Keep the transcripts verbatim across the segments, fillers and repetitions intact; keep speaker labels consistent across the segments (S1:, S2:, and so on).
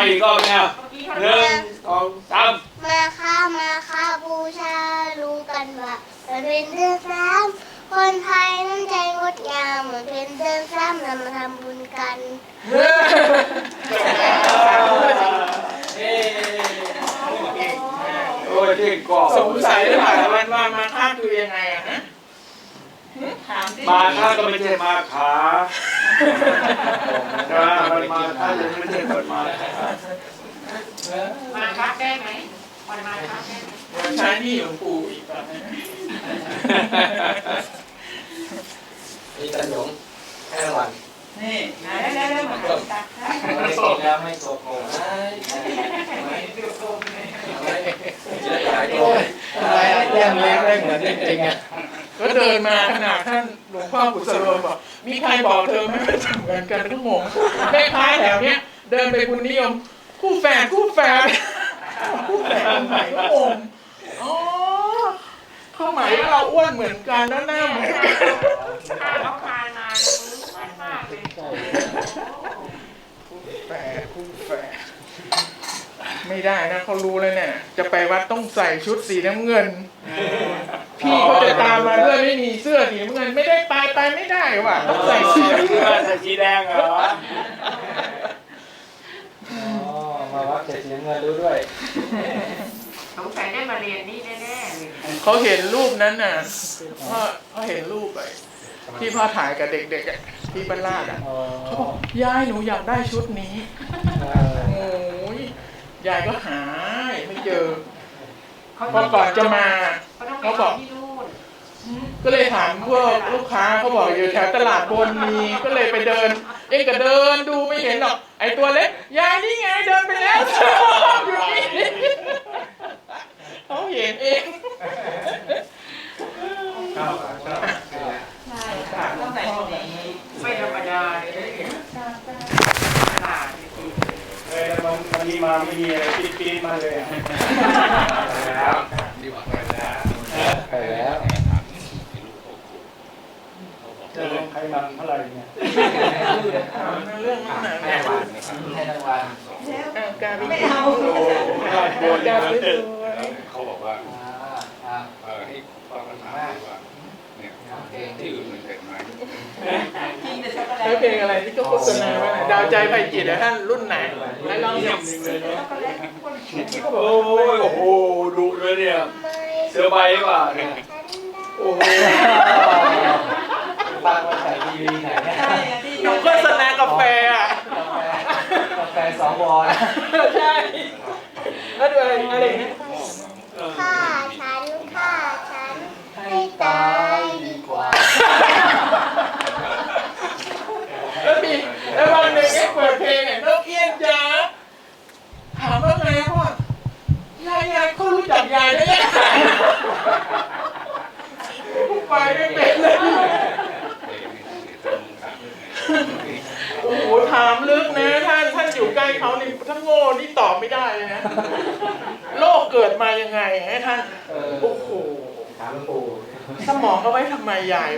S1: อีกรอบเนี่ยหนึ่งสองสาม
S2: มาค่ะมาค่ะบูชารู้กันว่ามันเป็นเดือนสามคนไทยน้ำใจงดงามเหมือนเป็นเดือนสามเรามาทำบุญกัน
S1: โอ้ยเก่งกว่า
S3: สงสัยหรือเปล่าว่าว่ามาค่าคือยังไงอะฮะ
S1: มาค่าก็ไม่ใช่มาขานะมันมาค่ายังไม่ใช่คนมา
S4: มาคัดได้ไหมวันมาคัดได้ไหม
S3: ใช้นี่หลวงปู่อีกแบบ
S5: นี่ตันหยงแค่วัน
S3: นี่
S4: ได้ได้ได้มาคัดได้
S5: ไม่ตกแล้วไม่ตกโง่ไม่จะหายตัวอะไรแย่งเล็กได้เหมือนจริงๆอ่ะ
S3: ก็เดินมาขนาดท่านหลวงพ่อกุศโลบอกมีใครบอกเธอไม่เหมือนกันทั้งหมดแม่ค้าแถวเนี้ยเดินไปคุณนิยมคู่แฝดคู่แฝดคู่แฝดคนไหนก็งงอ๋อเขาหมายว่าเราอ้วนเหมือนกันแล้วหน้าเหมือนกัน
S4: ถ้าเขาคานมาเลยมือมันมากเลย
S3: คู่แฝดคู่แฝดไม่ได้นะเขารู้เลยเนี่ยจะไปวัดต้องใส่ชุดสีน้ำเงินพี่เขาจะตามมาด้วยไม่มีเสื้อสีน้ำเงินไม่ได้ไปไปไม่ได้ว่ะต้องใส่สีน้ำเงิน
S1: ใส่สีแดงเหรอ
S5: มาวัดเจ็ดสีเงินรู้ด้วย
S4: สงสัยได้มาเรียนนี่แน่ๆเลย
S3: เขาเห็นรูปนั้นน่ะพ่อเขาเห็นรูปไปที่พ่อถ่ายกับเด็กๆที่บ้านลาดอ่ะเขาบอกยายหนูอยากได้ชุดนี้โอ้ยยายก็หายไม่เจอพอก่อนจะมาเขาบอกก็เลยถามพวกลูกค้าเขาบอกอยู่แถวตลาดบนมีก็เลยไปเดินเองก็เดินดูไม่เห็นหรอกไอตัวเล็กยายนี่ไงเดินไปแล้วอยู่นี่เขาเห็นเอง
S4: ต้องใส่ชุดนี้ไม่ธรรมดาเลยตลาด
S1: เออมันมันมีมาไม่มีอะไรปี๊ดปี๊ดมาเลย
S5: แล้วดีกว่าไปแล้วไปแล้ว
S1: จะลงใครนำเท่าไหร่เนี่ย
S3: เรื่องนั้นนะ
S5: แม่วันให้รางวัล
S3: การ
S4: ไม่เอา
S1: โดนการ
S6: เขาบอกว่าเออให้ฟังคำถามว่าเนี่ยที่อื่นมันเป็นไหม
S3: แล้วเพลงอะไรที่ก็โฆษณาว่าดาวใจไฟจิตนะท่านรุ่นไหนไหนลองหยิบ
S1: โอ้ยโอ้โหดุเลยเนี่ยเสือใบป่ะเนี่ยโอ้โห
S5: ฟังมาใส่ทีวีไหนเนี่ย
S3: อยู่โฆษณากาแฟอ่ะ
S5: กาแฟสองวอล
S3: ใช่แล้วดูอะไรอะไรเนี่ย
S2: ฆ่าฉันฆ่าฉันให้ตายดีกว่า
S3: แล้วมีแล้ววันหนึ่งไอ้เปิดเพลงเนี่ยนกเอี้ยงจ๋าถามว่าไงพ่อยายยายเขารู้จักยายได้ยังไงผู้ไปไม่เป็นเลยโอ้โหถามลึกนะท่านท่านอยู่ใกล้เขานี่ถ้าโง่นี่ตอบไม่ได้เลยนะโลกเกิดมายังไงให้ท่านโอ้โห
S5: ถามปู่
S3: สมองเอาไว้ทำไมยาย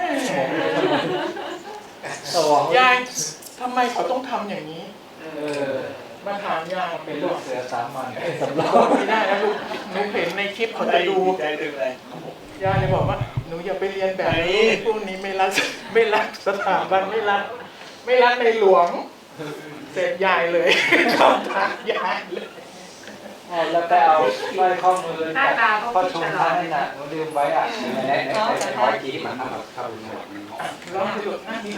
S3: ยายทำไมเขาต้องทำอย่างนี้มาถามยาย
S5: เป็นลูกเสือสามัญสำรอง
S3: ไม่ได้นะลูกหนูเห็นในคลิปเขาจะดูยายเลยบอกว่าหนูอย่าไปเรียนแบบนี้พวกนี้ไม่รักไม่รักสถาบันไม่รักไม่รักในหลวงเสร็จยายเลยชอบทักยายเลย
S5: แล้วแต่เอาสร้อยข้อมือจากพ่อชมท่านน่ะหนูลืมไว้อ่ะในในในร้อยกี้มันทำเข้าหมด
S3: ลองดูหน้าดี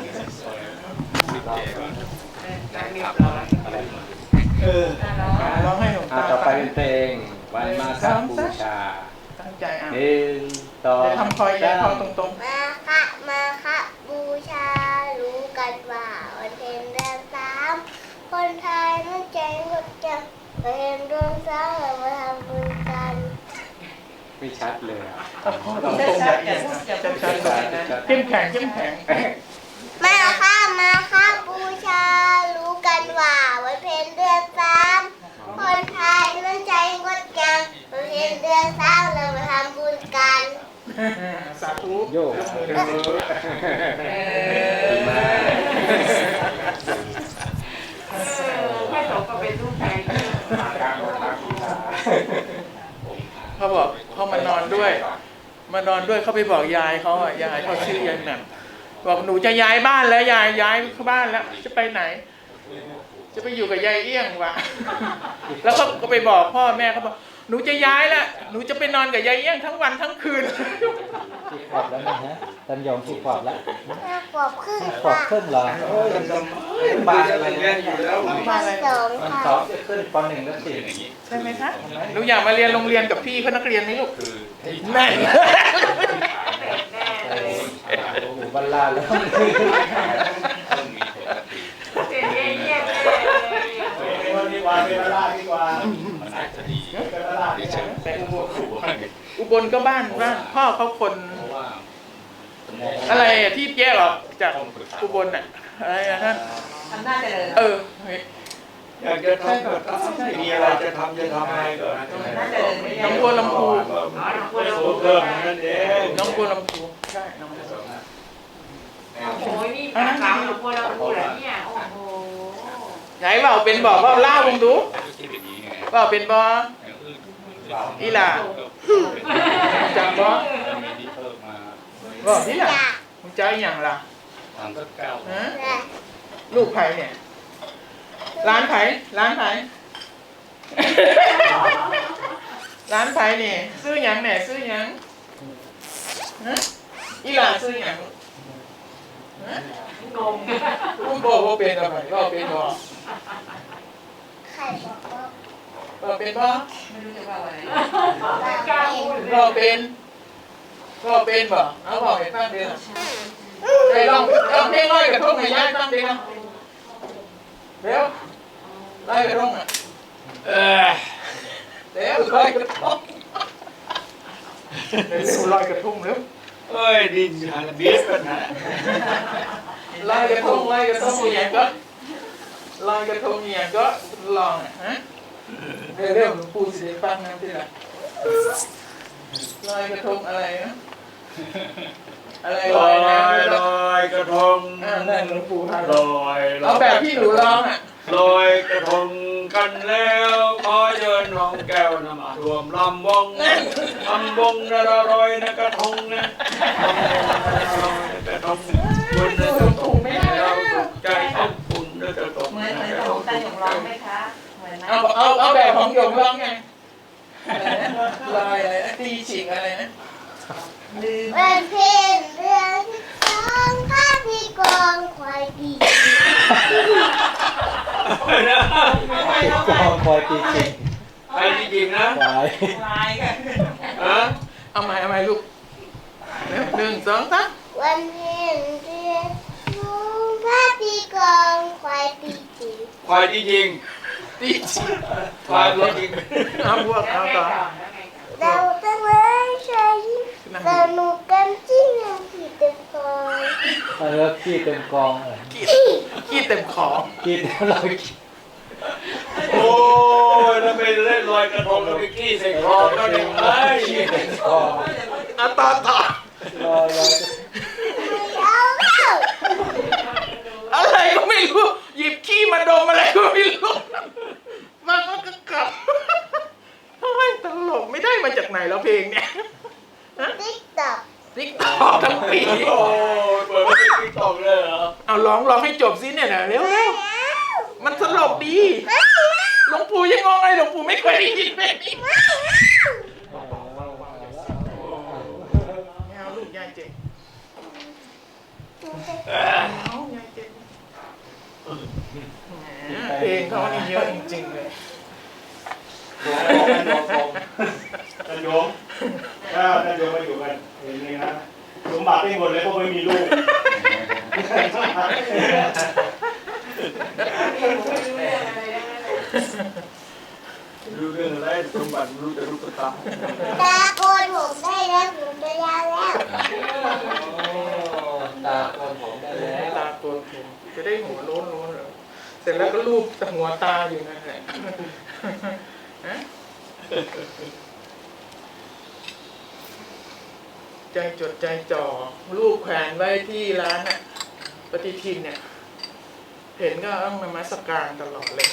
S3: เออร้องให้หนูตา
S5: ต่อไปเป็นเพลงวันมาฆบูชา
S3: ตั้งใจอ่ะ
S5: หนึ่งสอง
S3: ทำคอยแย่คอตรง
S2: ๆมาค่ะมาค่ะบูชารู้กันว่าวันเพ็ญเดือนสามคนไทยน้ำใจงดงามเพ็ญเดือนสามเรามาทำบุญกัน
S5: ไม่ชัดเลยอ่ะ
S3: ตรงๆแบบนี้ชัดๆเข้มแข็งเข้มแข็ง
S2: มาค่ะมาค่ะบูชารู้กันว่าวันเพ็ญเดือนสามคนไทยน้ำใจงดงามวันเพ็ญเดือนสามเรามาทำบุญกัน
S3: สาธุ
S5: โยก
S4: แม่โตก็เป็นลูกแม่
S3: ด้วย มานอนด้วยเขาไปบอกยายเขาอ่ะยายเขาชื่อยายแหม่มบอกหนูจะย้ายบ้านแล้วยายย้ายบ้านแล้วจะไปไหน จะไปอยู่กับยายเอี้ยงวะแล้วเขาก็ไปบอกพ่อแม่เขาบอกหนูจะย้ายแล้วหนูจะไปนอนกับยายเอี้ยงทั้งวันทั้งคืน
S5: กี่ขวบแล้วนะฮะตันยองกี่ขวบแล้ว
S2: ห้าขวบครึ่ง
S5: ขวบ
S2: ค่ะ
S5: ครึ่งเหรอโอ้ยยังจะบานอะไร
S1: เรีย
S5: เนี่ย
S1: นอยู่แล้ว
S3: มาอะไร
S2: สอง
S5: มัน
S2: ค่ะ
S5: สองจะขึ้นปหนึ่งแล้วสิ
S3: ใช่ไหมคะหนูอยากมาเรียนโรงเรียนกับพี่เขานักเรียนไหมลูก
S6: คือที่
S3: แม่
S5: โอ้โหบรรลาแล้ว
S6: ต้องมีปกติ
S4: เสียเยี่ยมเลย
S1: ดีกว่าเป็นลาดีกว่า
S6: มันอาจจะดี
S1: เป็นลา
S6: ที่เชิง
S3: แต่อุบล
S6: ครูว่าไง
S3: อุบลก็บ้านบ้านพ่อเขาคน
S6: เพราะว่า
S3: อะไรอะที่แยกออกจากอุบลน่ะอะไรอะท่าน
S4: ทำหน้าเจริญ
S3: เออเฮ้ย
S1: อยากจะทำก็ทำมีอะไรจะทำจะทำอะไรก็
S3: น้องบัวลำพู
S1: สูงเพิ่มนั่นเอง
S3: น้องบัวลำพูใช่น้องบัวลำพู
S4: โอ้โหนี่ปากขาวเราพูดเราพูดเหรอเนี่ยโอ้โห
S3: ไหนเปล่าเป็นบอกว่าเล่าวงดู
S6: คิดอย่างนี้ไง
S3: เปล่าเป็นบออีหล่าจังบอ
S6: มีที่เพิ่มมา
S3: บอกที่หล่ะมึงใจอย่างล่ะ
S6: ทำสักเก้า
S3: ฮะ
S2: และ
S3: ลูกไผ่เนี่ย ร้านไผ่ร้านไผ่ ร้านไผ่เนี่ยซื้อหยังแหน่ซื้อหยังฮะอีหล่าซื้อหยังฮะ
S4: งง
S3: คุณบอกว่าเป็นอะไรก็เป็นบอ
S2: ใครบอกว่า
S3: ก็เป็นบอ
S4: ไม่รู้จะว่าอะไร
S2: เรา
S4: กล้า
S2: เป็
S4: พู
S2: น
S4: ด
S3: ก็เป็นก็เป็นบ่เอาบอกให้ฟังเดียวไปลองลองเพลงร้อยกระทงให้ยายฟังเดียวเร็วร้อยกระทงอ่ะเออเร็วร้อยกระทงเร็วร้อยกระทงเร็ว
S1: เอ้ยดินหันบีสกันนะ
S3: ร้อยกระทงร้อยกระทงอย่างก็ร้อยกระทงอย่างก็ลองอ่ะฮะเร็วเร็วหลวงปู่สิฟังนะที่ละลอยกระทงอะไรนะอะไร
S1: ล
S3: ล
S1: อ
S3: อย
S1: ย
S3: น้ำ
S1: ลอยกระทง
S3: อ่านั่นหลวงปู่ท่าน
S1: ลอยล
S3: เอา
S1: อย
S3: แบบที่หนูร้องอ่ะ
S1: ลอยกระทงกันแล้วขอเชิญน้องแก้วนำมารวมลำวงลำวงระรอยนะกระทงนะลอยกระทงบนจะตกเราตกใจต้องคุณจะตก
S4: เหมือนเหมือนของตาหยงร้องไหมคะเหมือนไหม
S3: เอาเอาเอาแบบของหยงร้องไงอะไรนะลอยอะไรนะตีฉิงอะไรนะ
S4: ลืม
S2: วันเพ็ญเดือนที่สองข้าที่กองควายดี
S5: กองคอยตีจริง
S1: ไปจริงๆนะ
S5: ควาย
S4: ลายกัน
S1: ฮะ
S3: เอาใหม่เอาใหม่ลูกเร็วหนึ่งสองสาม
S2: วันเพ็ญเดือนสองข้าที่กองควายดีจี
S1: ควายจริง
S3: ตีฉิง
S1: ๆควายตัวจริง
S3: เอาพวก
S4: แล้ว
S3: เอา
S4: ไง
S3: ต่อ
S4: ต่อแล้วไงต่อ
S2: เราตั้งเลยใช้สนุกกันจริงอย่างที่เต็มกอง
S5: แล้วขี้เต็มกองเลย
S3: ขี้ขี้เต็มขอ
S5: กินเรากิน
S1: โอ้ยแล้วไปเล่นลอยกระทงแล้วไปขี้ใส่คอก็ได้ไหม
S5: ขี้เต็มกอง
S3: เอาต่อต่อ
S5: ลอยลอย
S2: ไม่เอาแล้ว
S3: อะไรก็ไม่รู้หยิบขี้มาดมอะไรก็ไม่รู้มันก็กลับโอ้ยตลกไม่ได้มาจากไหนแล้วเพลงเนี่ย
S2: ติ๊กต็อก
S3: ติ๊กตอกทั้งปี
S1: โอ้ยเปิดไม่ได้ติ๊กตอกเลยเหรอ
S3: เอาร้องร้องให้จบสิเนี่ยนะเร็วเร็วมันสลบดีหลวงปู่ยังงงเลยหลวงปู่ไม่เคยได้ยินเพลงนี้ไม่เอาลูกยายเจ็บเอายายเจ็บแหมเพลงเขานี่เยอะจริงๆเลย
S7: ท่านโยมถ้าท่านโยมมาอยู่กันเห็นเลยนะสมบัติได้หมดเลยเพราะไม่มีลูก
S1: รู้เรื่องอะไรสมบัติรู้แต่ลูกตา
S2: ตาโกนผมได้แล้วผมจะยาวแล้ว
S5: ตาคนผมได้แล้ว
S3: ตาตัวผมจะได้หัวโล้นโล้นเหรอเสร็จแล้วก็รูปแต่หัวตาอยู่นั่นแหละฮะใจจดใจจ่อรูปแขวนไว้ที่ร้านน่ะปฏิทินเนี่ย เห็นก็ต้องนมัสการตลอดเลย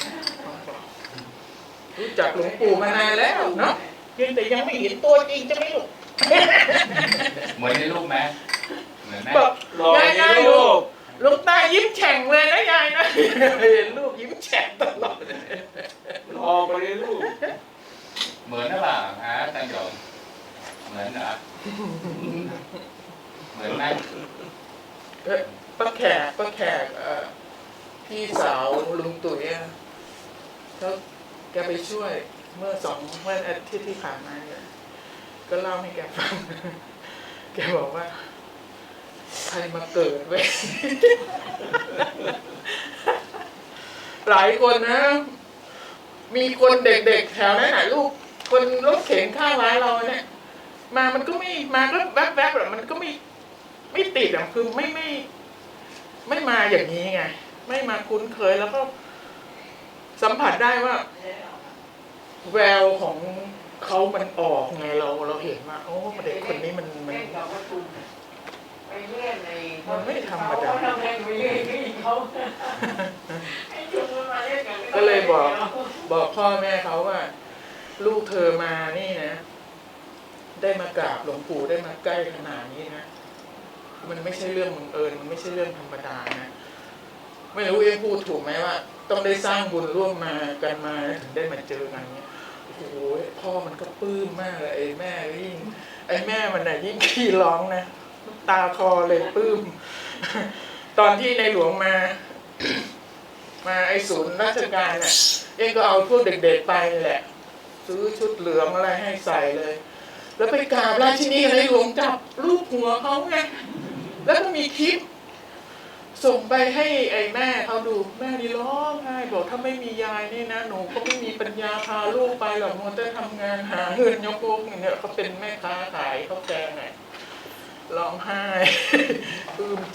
S3: รู้จักหลวงปู่มานานแล้วเนาะเพียงแต่ยังไม่เห็นตัวจริงจะไหม่ลูก
S6: เหมือนในรูปไหมเหมือนไหม
S3: บอก
S1: รอย
S3: าย
S1: ใน
S3: ยาย
S1: รู
S3: ลูก
S1: ป
S3: ลูกตายิ้มแฉ่งเลยนะยายนะเห็นลูกยิ้มแฉ่งตลอด
S1: รอไปในรูป
S6: เหมือนหรือเปล่าฮะอาจารย์โยมเหมือนเหรอเหมือนไหม
S3: เอ้ยป้าแขกป้าแขกเอ่อพี่สาวลุงตุ๋ยอะเขาแกไปช่วยเมื่อสองเมื่ออาทิตย์ที่ผ่านมาเนี่ยก็เล่าให้แกฟัง แกบอกว่าใครมาเกิดเว้ย หลายคนนะ มีคนเด็กๆแถวนั้นน่ะลูกคนรถเข็นข้างร้านเราเนี่ย มามันก็ไม่มาก็แวบๆแบบมันก็ไม่ไม่ติดอ่ะคือไม่ไม่ ไม่มาอย่างนี้ไง ไม่มาคุ้นเคยแล้วก็สัมผัสได้ว่า แววของเขามันออกไงเราเราเห็นว่าโอ้เด็กคนนี้มันมัน
S4: เล่นกับวัตถุไปเล่นใน
S3: มันไม่ธรรมดา
S4: เขาทำเล่นไปเล่นก็อีกเขาไอ้จุ๊บมันมาเล่นกัน
S3: ก็เลยบอกบอกพ่อแม่เขาว่า ลูกเธอมานี่นะ ได้มากราบหลวงปู่ได้มาใกล้ขนาดนี้นะมันไม่ใช่เรื่องบังเอิญมันไม่ใช่เรื่องธรรมดานะไม่รู้เองพูดถูกไหมว่า ต้องได้สร้างบุญร่วมมากันมาถึงได้มาเจอกันเนี้ยโอ้โหพ่อมันก็ปลื้มมากเลยไอ้แม่ยิ่งไอ้แม่มันน่ะยิ่งขี้ร้องนะน้ำตาคลอเลยปลื้ม ตอนที่ในหลวงมา มาไอ้ศูนย์ราชการน่ะเองก็เอาพวกเด็กๆไปแหละ ซื้อชุดเหลืองอะไรให้ใส่เลย แล้วไปกราบราชินีในหลวงจับรูปหัวเขาไงแล้วก็มีคลิป ส่งไปให้ไอ้แม่เขาดูแม่นี่ร้องไห้บอกถ้าไม่มียายนี่นะหนูก็ไม่มีปัญญาพาลูกไปหรอกมัวแต่ทำงานหาเงินยกพวกเนี่ยเขาเป็นแม่ค้าขายข้าวแกงไงร้องไห้ ปลื้มใจ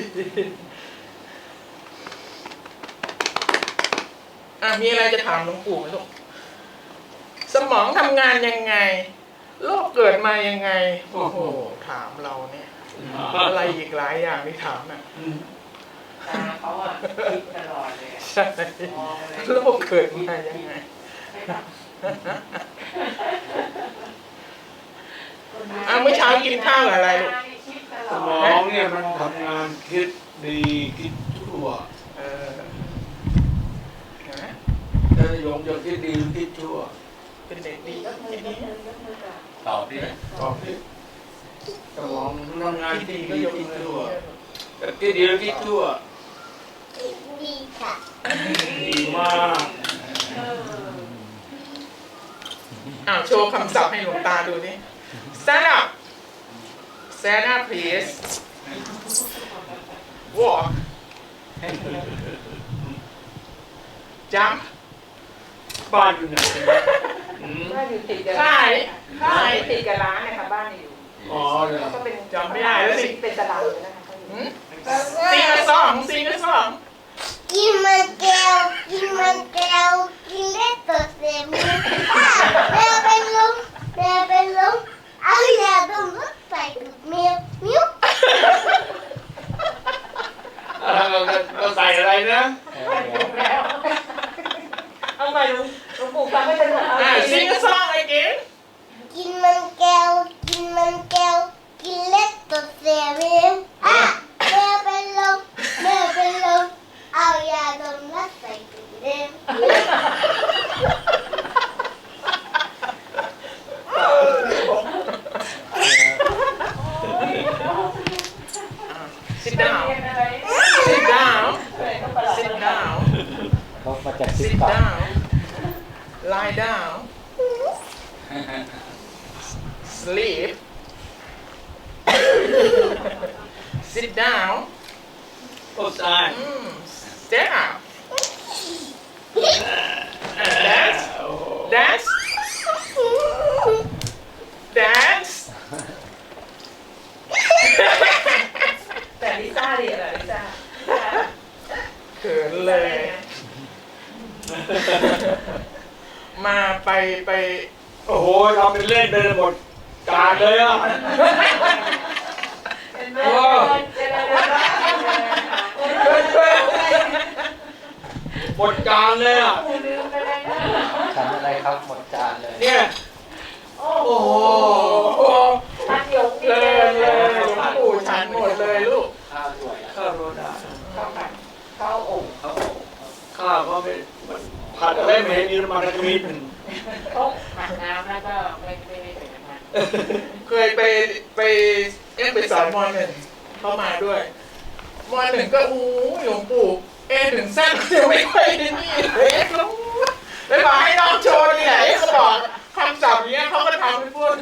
S3: อ่ะมีอะไรจะถามหลวงปู่ไหมลูกสมองทำงานยังไงโลกเกิดมายังไงโอ้โหถามเราเนี่ยอะไรอีกหลายอย่างที่ถามน่ะ
S4: ตาเขาอ่ะคิดตลอดเลย
S3: ใช่โลกเกิดมายังไงอ่ะเมื่อเช้ากินข้าวอะไรลูก
S1: สมองเนี่ยมันทำงานคิดดีคิดชั่ว
S3: เออนะ
S1: ถ้าโยมจะคิดดีหรือคิดชั่ว
S3: เป็นเด็กดีคิดดี
S6: ตอบดิ
S1: ตอบดิสมองทำงาน
S3: คิด
S1: คิ
S3: ดี
S1: ด
S3: ก็
S1: ดี
S3: ยก
S1: คิด
S3: มือ
S1: ชั่วแต่คิดดีหรือคิดชั่ว
S2: ดีค่ะ
S1: ดีมาก
S3: อ้าวโชว์คำศัพท์ให้หลวงตาดูนี่ stand up stand up please walk jump
S1: บ้านอยู่ไหนอืม
S4: บ้านอยู่ติดกับ
S3: ค่ายค่าย
S4: ติดกับร้านนะคะบ้านอยู่
S1: อ๋อเนี่ย
S4: ก็เป็น
S3: จำไม่ได้แล้วสิ
S4: เป็นตารางเลยนะคะ
S3: หืมซิงกะสองซิงกะสอง
S2: กินมันแก้วกินมันแก้วกินเล็กตัวเสียมืออ่ะแม่เป็นลมแม่เป็นลมเอายาดมรถใส่ถุงเมียวมิ้ว
S1: เราเราใส่อะไรนะ
S4: เอาใหม่ลุงลุงปู่ฟังไม่เป็นหรอ
S3: อ่าซิงกะสอง again
S2: กินมันแก้วกินมันแก้วกินเล็กตัวเสียมืออ่ะแม่เป็นลมแม่เป็นลมเอายาดมรถใส่ถุงเมียว
S3: sit down sit down sit down
S5: เขามาจากติ๊ก
S3: sit
S5: ต็อก
S3: down lie down sleep sit down
S1: ก็ใส่
S3: mm, stand up dance dance dance
S4: แต่ลิซ่าดีอะไรลิซ่า
S3: เขินเลย มาไปไป
S1: โอ้โหทำเป็นเล่นเดินหมดการเลยอ่ะ
S4: เป็นแม่
S1: โอ้ หมดการเลยอ่ะ
S4: ลืมไปเลยนะ
S5: ฉันอะไรครับหมดจานเลย
S1: เนี่ย
S4: โอ้
S1: โอ้
S4: โห
S1: โห
S4: ลง
S3: เลยเลยหลวงปู่ฉันหมดเลยลูก
S5: ข้าวสวย
S1: ข้าวโรดา
S4: ข้าวผัดข้าวอบ
S1: ข้าวก็ไม่มันผัดอะไรไม่เห็นมีน้ำมันกระมิด
S4: เขาผัดน้ำแล้วก็ไม่ไม่ได้ใส่น้ำมัน
S3: เคยไปไปเอ๊ะไปสอนมอหนึ่งเข้ามาด้วยมอหนึ่งก็อู้หลวงปู่เอถึงแซ่บจะไม่ค่อยนี่เลยแล้วแล้วบอกให้น้องโชว์นี่แหละเขาบอกคำศัพท์เนี้ยเขาก็ทำให้พูด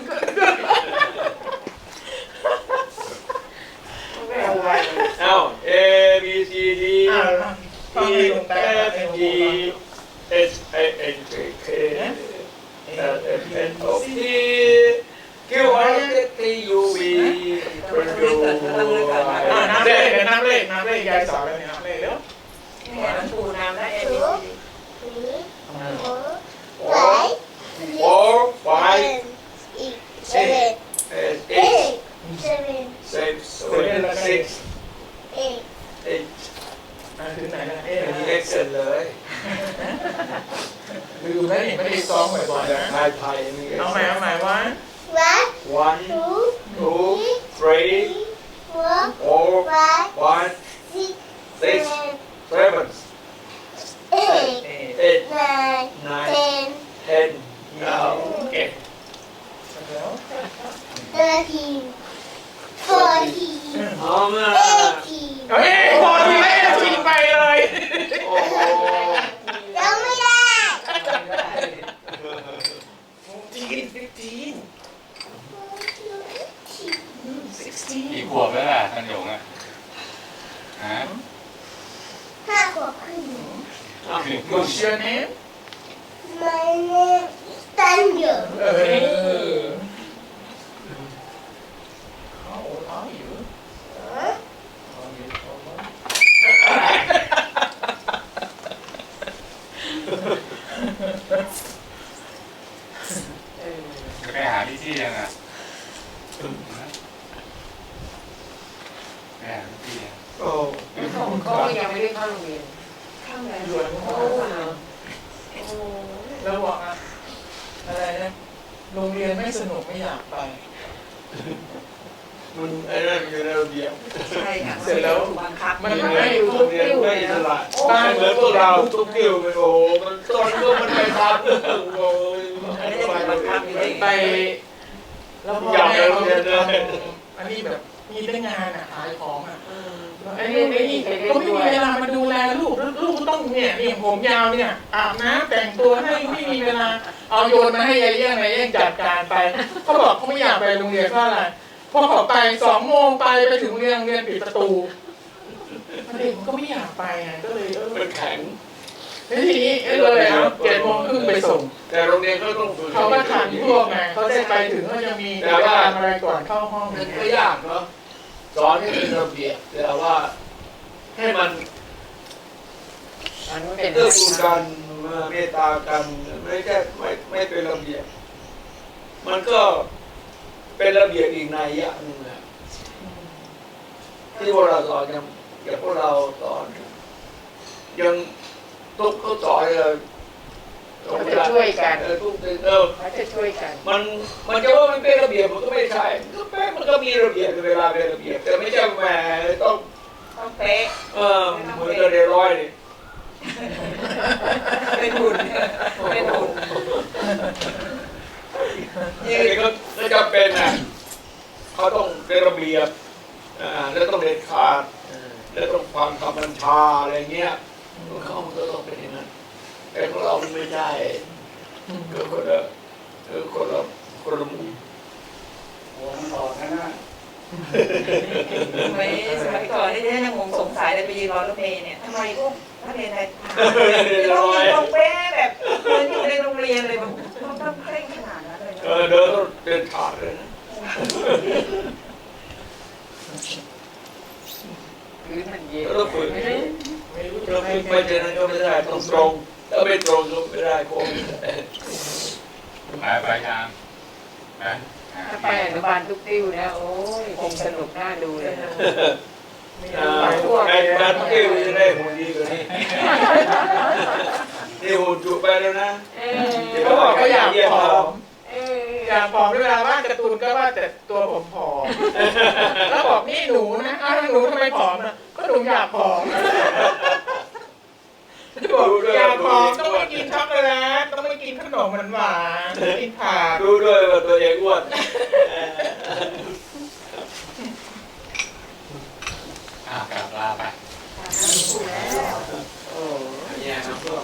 S4: ไม่เอาไว้
S1: เอ้า A B C D E F G H I N J K L M N O P Q R S T U V W
S3: อ่านับเลขนับเลขนับเลขยายสอนแล้วเนี่ยนับเลขเร็ว
S4: เนี่ยหลวงปู่น้ำและเอ็มบี
S1: four five
S2: seven
S1: eight
S2: eight seven
S1: six seven six
S2: eight
S1: eight
S3: อ่าถึงไหนแล้วเอ๊ะ
S1: อันนี้ Excel เลย
S3: ลืมแล้วนี่ไม่ได้ซ้อมบ่อยๆนะ
S1: ไทยไทยนี่
S3: เอาใหม่เอาใหม่ว่า
S2: one
S1: one
S2: two
S1: two three
S2: four
S1: four
S2: five
S1: five
S2: six
S1: six
S2: seven
S1: seven
S2: eight
S1: eight
S2: nine
S1: nine
S2: ten
S1: ten เอาโอเค
S2: thirteen fourteen
S1: เอามา
S2: eighteen
S3: เฮ้ยพอทีแล้วเอ็ทิ้งไปเลย
S1: โอ้โห
S2: ยังไม่ได้
S3: จีนฟิฟทีนซิกสตี
S6: กี่ขวบแล้วล่ะตันหยงอ่ะฮะ
S2: ห้าขวบครึ่ง
S3: กูเชื่อเนม
S2: My name is Daniel
S3: เออ How old are you?
S2: Huh?
S3: Are you old?
S6: จะไปหาพี่ที่ยังอ่ะไปหาพี่ที่ยัง
S1: โอ้
S4: ก็ยังไม่ได้เข้าโรงเรียนเข้าแล้ว
S3: รวยมากแล้วบอกอะอะไรนะโรงเรียนไม่สนุกไม่อยากไป
S1: มันไอ้นั่นอยู่ในระเบียบ
S4: ใช่ค่ะ
S3: เสร็จแล้ว
S4: ถูกบังคับ
S3: มัน
S1: โรง
S3: ไม่
S1: เรียนโรงเรียนไม่อิสระไม่เหมือนพวกเราทุกกิ้วไปโอ้โหมันตอนก็มันไปทำเรื่องโอ้ย
S4: อันนี้จะบังคับอยู่
S3: ไป
S4: ไป
S3: แล้วพ่อแม่เขาจะทำอันนี้แบบมีแต่งานอ่ะขายของอ่ะไอ้นี่ไอ้นี่ก็ไม่มีเวลามาดูแลลูกลูกต้องเนี่ยนี่ผมยาวเนี่ยอาบน้ำแต่งตัวให้ไม่มีเวลาเอาโยนมาให้ยายเลี้ยงนายเลี้ยงจัดการไปเขาบอกเขาไม่อยากไปโรงเรียนเพราะอะไรพอเขาไปสองโมงไปไปถึงโรงเรียนโรงเรียนปิดประตูเด็กมันก็ไม่อยากไปไงก็เลยเออ
S1: มันแข็ง
S3: แล้วทีนี้เออเลยเอาเจ็ดโมงครึ่งไปส่ง
S1: แต่โรงเรียนก็ต้องฝึก
S3: เขาก็ทันพวกไงเขาได้ไปถึงก็จะมีกิจกรรมอะไรก่อนเข้าห้อง
S1: มันก็ยากเนาะสอนให้เป็นระเบียบแต่ว่าให้มัน
S4: มันไม่เป็น
S1: เอื้อกูลกันเมตตากันไม่ใช่ไม่ไม่เป็นระเบียบ มันก็เป็นระเบียบอีกในยะหนึ่งนะที่พวกเราสอนยังอย่างพวกเราสอนยังทุกเขาสอนเลย
S4: เขาจะช่วยกัน
S1: เออทุกเออ
S4: เขาจะช่วยกัน
S1: มันมันจะว่ามันเป็นระเบียบมันก็ไม่ใช่ก็แป๊ะมันก็มีระเบียบเวลาเป็นระเบียบแต่ไม่ใช่แหมต้อง
S4: ต้องเป๊ะ
S1: เออเหมือนกับเรียนร้อยนี่
S4: เป็นหุ่นเป็นหุ่น
S1: นี่ก็ก็จำเป็นนะเขาต้องเป็นระเบียบอ่าแล้วต้องเด็ดขาดแล้วต้องฟังคำบัญชาอะไรเงี้ยเขาก็ต้องเป็นอย่างนั้นแต่ของเราไม่ใช่ก็คนละเออคนละคนละมุม
S5: หัวมันออกนะนะ
S4: ทำไมสมัยก่อนที่ท่านยังงงสงสัยเลยไปยืนรอรถเมล์เนี่ยทำไมพวกนักเรียนไทยต้องยืนตรงเป๊ะแบบเหมือนอยู่ในโรงเรียนเลยแบบต้องต้องเคร่งขนาดนั้นเลย
S1: เออเดินต้องเดินขาดเลยนะ
S4: พื้นมันเย็น
S1: แล้วต้องฝึก
S3: ไม่รู้จะ
S1: เรา
S3: ให้
S1: ฝึกไปเจอนั้นก็ไม่ได้ต้องตรงถ้าไม่ตรงก็ไม่ได้โค้ง
S6: ไปไปทางไป
S4: ถ้าไปอนุบาลทุกติ้วนะโอ้ยคงสนุกน่าดูเลยนะ
S1: อ่าไอ้บ้านเกี้ยวจะได้หุ่นดีกว่านี้นี่หุ่นจุไปแล้วนะ
S4: เออ
S3: เขาบอกเขาอยากผอม
S4: เออ
S3: อยากผอมเวลาวาดการ์ตูนก็วาดแต่ตัวผมผอมแล้วบอกนี่หนูนะอ้าวหนูทำไมผอมอ่ะก็หนูอยากผอมบอกอยากผอมต้องไม่กินช็อกโกแลตต้องไม่กินขนมหวานๆกินผัก
S1: รู้ด้วยว่าตัวเองอ้วน
S5: อ่ากลับลาไป
S3: โอ้
S1: แย่น้ำท่วม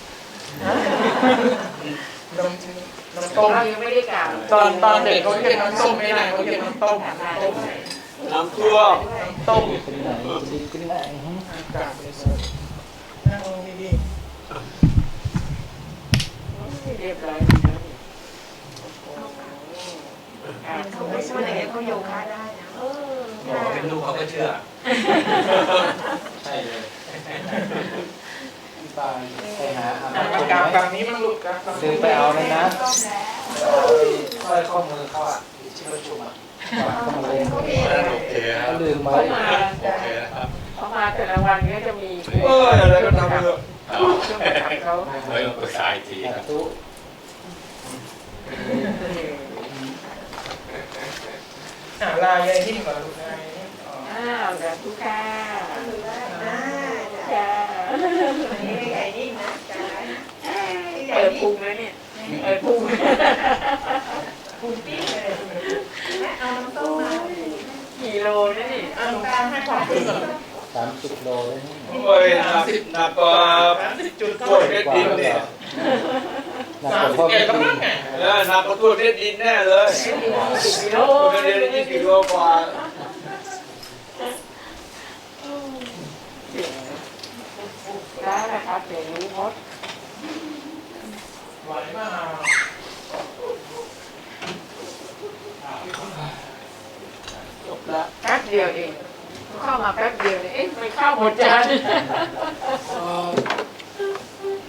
S3: นมนมต้ม
S4: เรายังไม่ได้กล่าว
S3: ตอนตอนเด็กเขาเรียกน้ำส้มไม่ได้เขาเรียกน้ำต้มต้ม
S1: น้ำท่วม
S3: ต้ม
S5: เป็นไหนจะดีขึ้นไหน
S3: อากาศเลยสินั่งลงดี
S4: เรียบร้อยเขาไม่ช่วยอะไรเขาโยคะได้นะเออ
S5: บอกเป็นลูกเขาก็เชื่อใช่เลยไปไปหาอา
S3: ๆ
S5: บ
S3: มันกลางแบบนี้มันหลุดกัน
S5: ลืมไปเอาเลยนะสร้อยข้อมือเขาอ่ะที่ประชุมอ่ะก็มาเล่น
S6: โอเคครั
S5: เขา
S6: บ
S5: ลืมไว้
S6: โอเคนะครับ
S4: เขามาแต่ละวันนี้จะมี
S1: เอ้ยอะไรก็ทำไปเถอะ
S4: เครื่องประดับเขา
S6: เฮ้ยปรึกษาอีกทีค
S5: แต่
S6: รับ
S5: ตู้
S3: อ่าลายยายนิ่มก่อนลูกลายนิ่มอ๋อ
S4: อ้าวแบบทุกค่ะจ้านี่ไม่ใหญ่นิ่งนะจ้าเปิดพุงแล้วเนี่ยเปิดพุงพุงปี๊ดเลยเอาน้ำต้มมากี่โลนะนี่
S3: อ่าหลวงตาให้ความรู้ก่อน
S5: สามสิบโลเลยนี่
S1: โอ้ยหนักหนักกว่า
S3: สามสิบจุด
S1: พวกเพชรดินเนี่ย
S5: หนัก
S3: สาก ม
S5: ว่า
S3: สิบ
S5: พ่อ
S3: เอ็
S5: ไม่
S3: ดแล้ว
S5: กิ
S3: มั้งไง
S1: เออหนักกว่าตัวเพชรดินแน่เลย
S4: สิบกิโล
S1: เพชรดินยี่สิบกิโลกว่า
S4: ได้นะครับเดี๋ยวรู้หมด
S3: ไหวมาก
S4: จบละแป๊บเดียวเองเข้ามาแป๊บเดียวเนี่ยเอ๊ะไม่เข้าหมดจาน